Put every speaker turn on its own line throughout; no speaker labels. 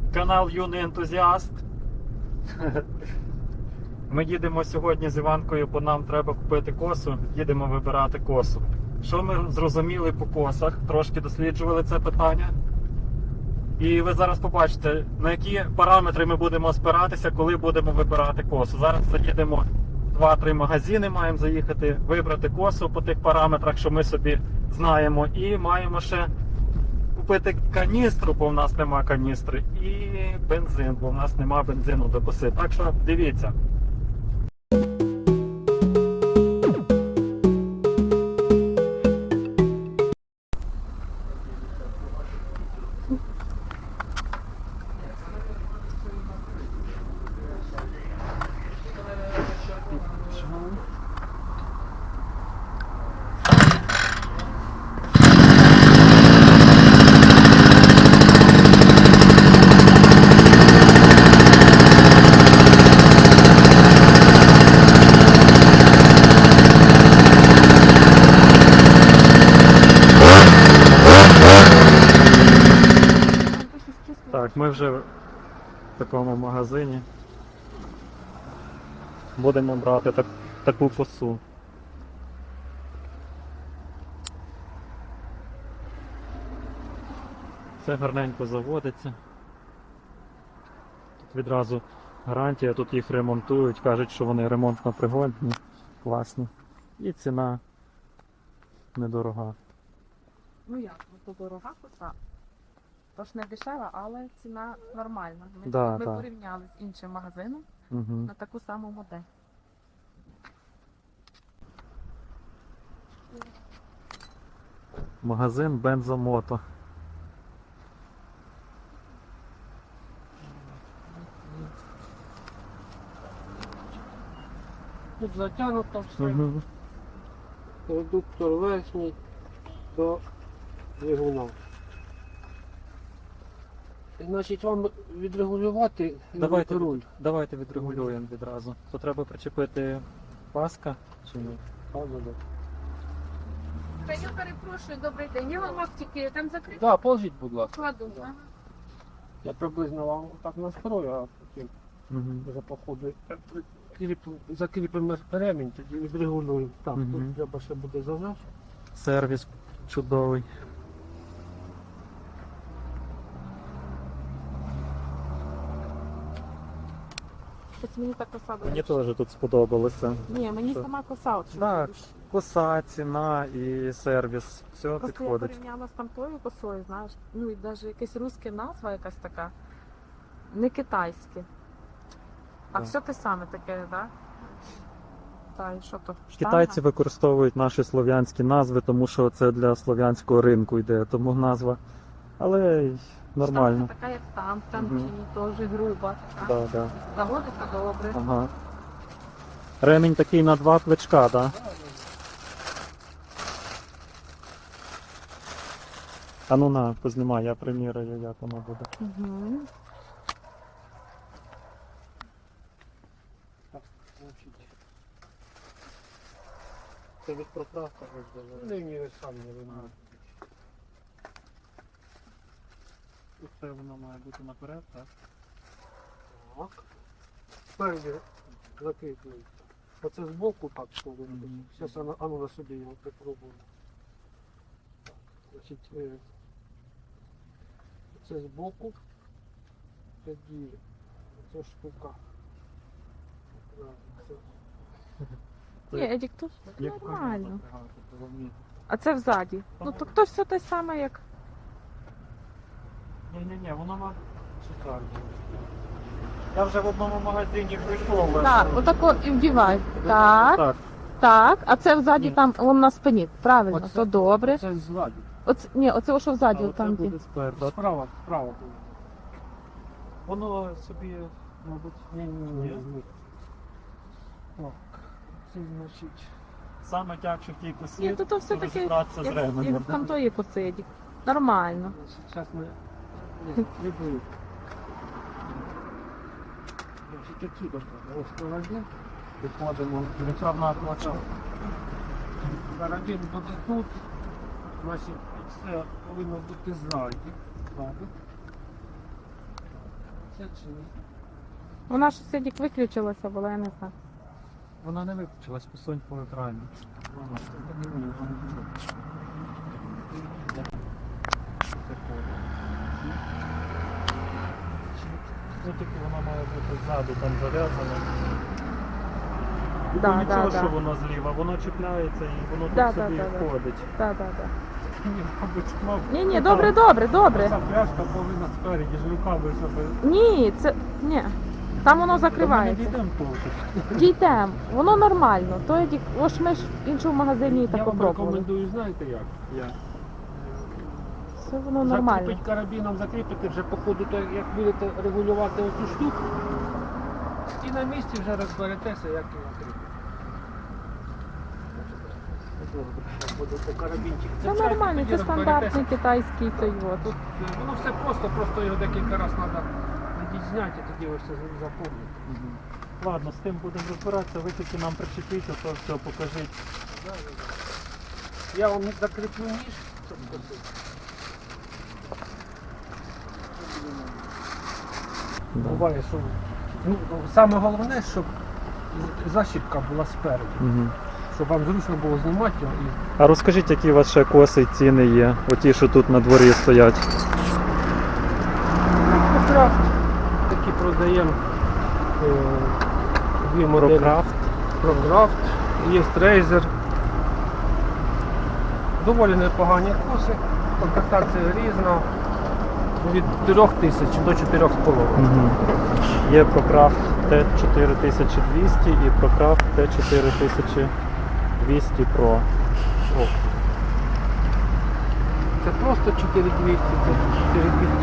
канал Юний Ентузіаст. Ми їдемо сьогодні з Іванкою, бо нам треба купити косу. Їдемо вибирати косу. Що ми зрозуміли по косах? Трошки досліджували це питання. І ви зараз побачите, на які параметри ми будемо спиратися, коли будемо вибирати косу. Зараз заїдемо 2-3 магазини, маємо заїхати, вибрати косу по тих параметрах, що ми собі знаємо. І маємо ще купити каністру, бо в нас нема каністри, і бензин, бо в нас нема бензину до коси. Так що дивіться. Так, ми вже в такому магазині. Будемо брати таку косу. Все гарненько заводиться. Тут відразу гарантія, тут їх ремонтують, кажуть, що вони ремонтно пригодні, класні. І ціна недорога.
Ну як, то дорога коса. Тож не дешева, але ціна нормальна. Ми
Да.
порівняли з іншим магазином на таку саму модель.
Магазин Бензомото.
Тут затягнуто все. Редуктор верхній до двигуна. Значить, вам відрегулювати руль.
Давайте відрегулюємо відразу. То треба причепити паска чи ні?
Я перепрошую, добрий день. Я вам тільки там закрити
Так, положіть, будь ласка.
кладу.
Да. Я приблизно вам так настрою, а потім вже по ходу закріпимо ремінь, тоді відрегулюємо. Так, тут треба ще буде зажати.
Сервіс чудовий.
Ось мені та коса
Мені теж тут сподобалося.
Ні, мені
Що?
сама коса. От, що
Так,
більше.
коса, ціна і сервіс. Все
Просто я
підходить.
порівняла з тамтою косою, знаєш. Ну і навіть якась русська назва якась така. Не китайське. А
Так.
все те саме таке, так? Та і що то?
Китайці використовують наші слов'янські назви, тому що це для слов'янського ринку йде, тому назва. Але й нормально.
Штанга така, як там, в Танчині, теж груба. Така.
Да, да.
Заводиться добре.
Ага. Ремінь такий на 2 плечка, так? Да? А ну на, познімай, я приміряю, як воно буде.
Угу.
Це від проправка роздавали. Ні, ви самі не вимагаєте.
Це воно має бути наперед, так?
Так. Спереді закріплюється. Оце збоку так повинно бути. Зараз ану на собі його попробую. Так, значить, це збоку. Тоді ця штука.
Ні, Едік, тут
Як
нормально.
запрягати, головні.
А це взаді. Ну то хтось все те саме, як.
Ні, воно має шикарно. Я вже в одному магазині прийшов.
Так, отако і вдівай. Так,
Так.
так. А це взаді
Ні.
там, вон на спині. Правильно,
Оце-
то добре.
Це ззаді.
Ні, оце що взаді,
А
там
оце
де.
буде спереду.
Справа буде.
Воно собі, мабуть,
Ні. Так, це значить.
саме тягче в тій косі.
Ні, то все таки,
розібратися з
як
ременем.
з тамтої коси, Едік. Нормально.
Зараз ми прибули. Значить, отсюда розкладемо. Викладемо
Речовна плача.
карабін буде тут. Значить, все повинно бути ззаді. чи ні?
Вона ж сьогодні виключилася була, я не знаю.
Вона не виключилась, посунь по екрані. Ну тільки вона має бути ззаду там зав'язана.
Да,
Ну, нічого,
да,
що
да.
воно зліва, воно чіпляється і воно
Да,
тут
да,
собі
да, да.
ходить.
Да, да, да.
Ні, мабуть,
Ні, добре, добре, добре.
Ця пляшка повинна спереді, ж руками, щоб...
Ні, це. Ні. Там воно
Ми не
закривається.
дійдемо толку.
Дійдемо, воно нормально. То я ось ми ж в іншому магазині
Я
так
вам
попробували.
рекомендую, знаєте як?
Я.
Все воно нормально.
Закріпить карабіном, закріпити вже по ходу, то як будете регулювати оцю штуку, і на місці вже розберетеся, як його кріпити. Будете карабінчик
Це
цепляти,
нормально,
тоді
це стандартний
розберетеся.
китайський той от.
Тут воно все просто його декілька разів треба зняти, і тоді ви все запомните.
Ладно, з тим будемо розбиратися, ви тільки нам причепіть, то все покажіть.
Я вам закріплю ніж, щоб косити. Буває, що саме головне, щоб защіпка була спереду, щоб вам зручно було знімати його.
А розкажіть, які у вас ще коси і ціни є, оті, що тут на дворі стоять.
Крафт такі продаємо дві моделі.
Прокрафт.
Прокрафт, є трейзер. Доволі непогані коси, комплектація різна, від 3000 до 4,5.
Є Прокрафт Т4200 і Прокрафт Т4200 Pro.
Це просто 4200, це 4200.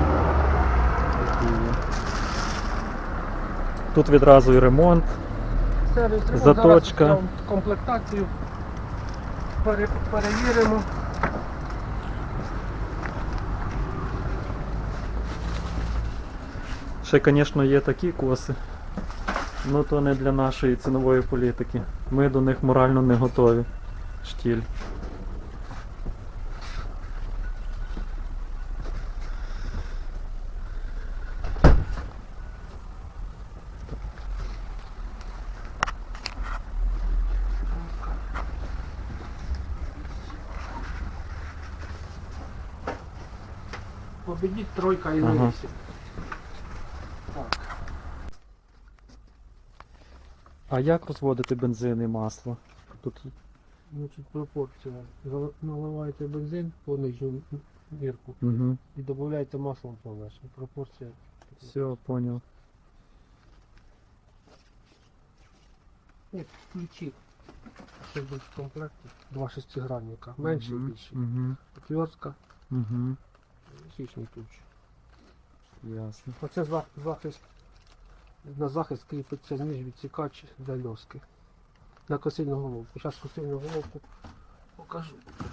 Тут відразу і ремонт.
Сервіс ремонт.
Заточка.
Зараз комплектацію перевіримо.
Ще, звісно, є такі коси. Ну то не для нашої цінової політики. Ми до них морально не готові. Штіль.
Победіть тройка і
Ага.
на 8. Так.
А як розводити бензин і масло? Тут
Значить, пропорція. Наливаєте бензин по нижню мірку
угу.
і додаєте масло по верхню. Пропорція.
Все, понял.
Ні, ключі. Ще будуть в комплекті. Два шестигранника. Менший і більший.
Угу.
Отвертка,
Угу.
хищний ключ.
Ясно.
Оце захист. На захист кріпиться ніж відсікач для льоски. На косильну головку. Зараз косильну головку покажу.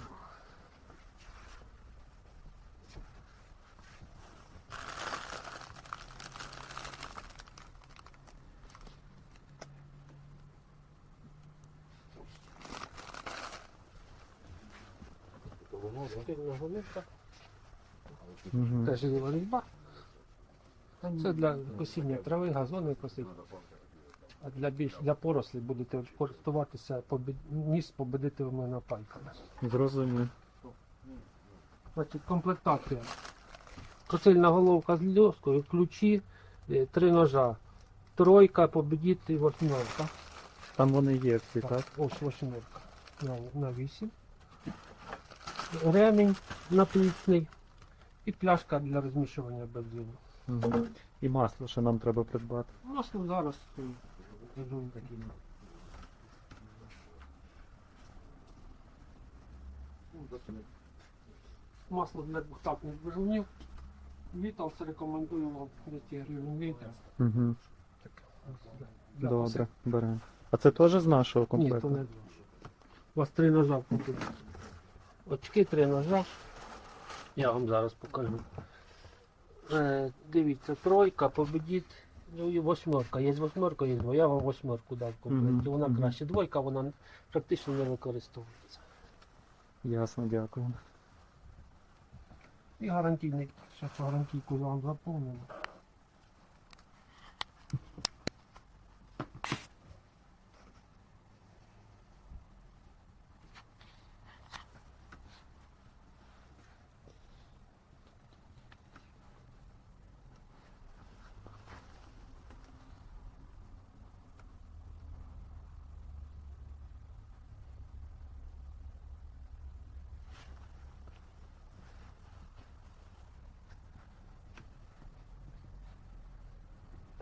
Косильна головка.
Угу.
Теж є різьба. Це для косіння трави, газони косить. А для порослі будете користуватися ніж победитими напайками.
Зрозумів.
Значить, комплектація. Косильна головка з льоскою, ключі, 3 ножа. Тройка, победити, восьмерка.
Там вони є всі, так?
Ось восьмерка. На 8. Ремінь наплічний. І пляшка для розмішування бензину.
Угу. І масло ще нам треба придбати.
Масло зараз кажу такі. Масло для двохтактних двигунів. Віталс рекомендую вам 200 гривень літр.
Угу.
Для
Добре, беремо. А це теж з нашого
Ні, то
комплекту?
не. У вас 3 ножа купили. Очки 3 ножа. Я вам зараз покажу. Дивіться, тройка, победіть. Ну і восьмерка. Є восьмерка, є двоя. Я вам восьмерку дав в комплекті. Вона
Мгм.
краще. Двойка, вона практично не використовується.
Ясно, дякую.
І гарантійний. Зараз гарантійку вам заповнимо.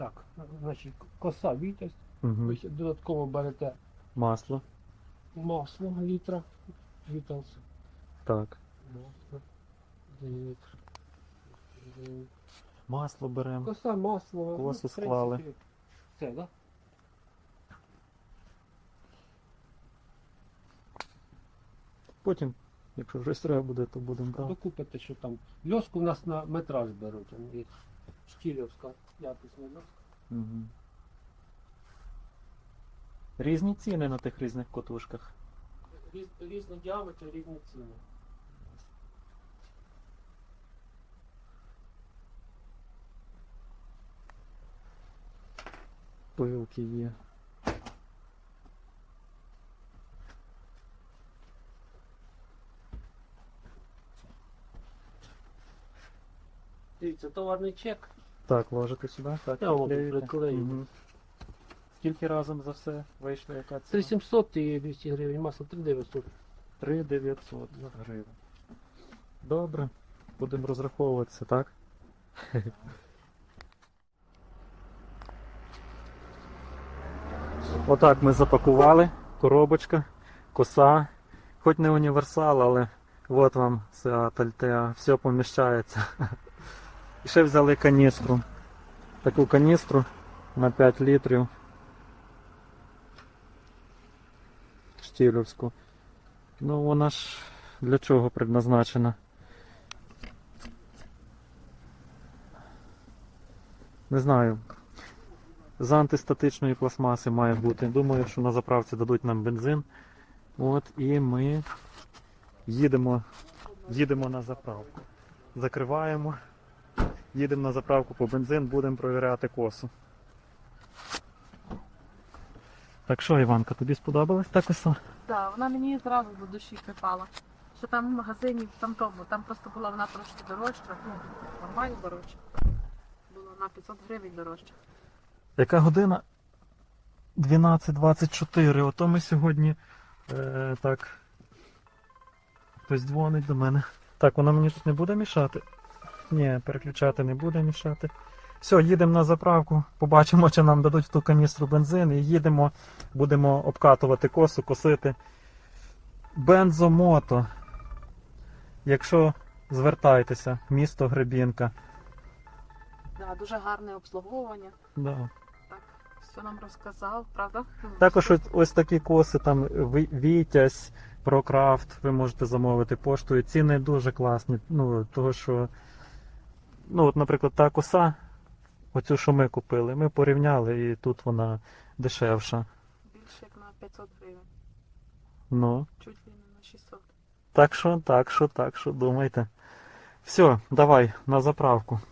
Так, значить, коса Вітязь,
Угу.
ви ще додатково берете
Масло.
масло літра, Віталс,
Так.
масло, літр.
Масло беремо.
Коса, масло,
Косу
в принципі,
склали.
Все, да?
Потім, якщо щось треба буде, то будемо брати.
Докупите, що там. Льоску у нас на метраж беруть, там є штілівська якісна льоска.
Угу. Різні ціни на тих різних котушках.
Різні діаметри, різні ціни.
Пилки є.
Дивіться, товарний чек.
Так, ложите сюди. Так,
Я вам
клеїте.
приклею.
Мгм. Скільки разом за все вийшло, яка ціна?
3700 і 200 гривень, масло 3900.
3900 гривень. Добре, будемо розраховуватися, так? Отак ми запакували. Коробочка, коса. Хоч не універсал, але от вам Seat Altea, все поміщається. І ще взяли каністру. Таку каністру на 5 літрів. Штілівську. Ну вона ж для чого предназначена? Не знаю. З антистатичної пластмаси має бути. Думаю, що на заправці дадуть нам бензин. От і ми їдемо на заправку. Закриваємо. Їдемо на заправку по бензин, будемо провіряти косу. Так що, Іванка, тобі сподобалась та коса?
Так, вона мені зразу до душі припала. Що там в магазині, там просто була вона трошки дорожча, ну, нормально дорожча. Була на 500 гривень дорожча.
Яка година? 12:24. Ото ми сьогодні так. Хтось дзвонить до мене. Так, вона мені тут не буде мішати? Ні, переключати не буде мішати. Все, їдемо на заправку, побачимо, чи нам дадуть в ту каністру бензин і їдемо, будемо обкатувати косу, косити. Бензомото. Якщо звертайтеся, місто Гребінка.
Да, дуже гарне обслуговування.
Да.
Так, все нам розказав, правда?
Також ось такі коси, там Вітязь, Прокрафт, ви можете замовити поштою. Ціни дуже класні. Ну, того що, ну, от, наприклад, та коса, оцю, що ми купили, ми порівняли, і тут вона дешевша.
Більше як на 500 гривень.
Ну,
Чуть ли не на 600.
так що, думайте. Все, давай, на заправку.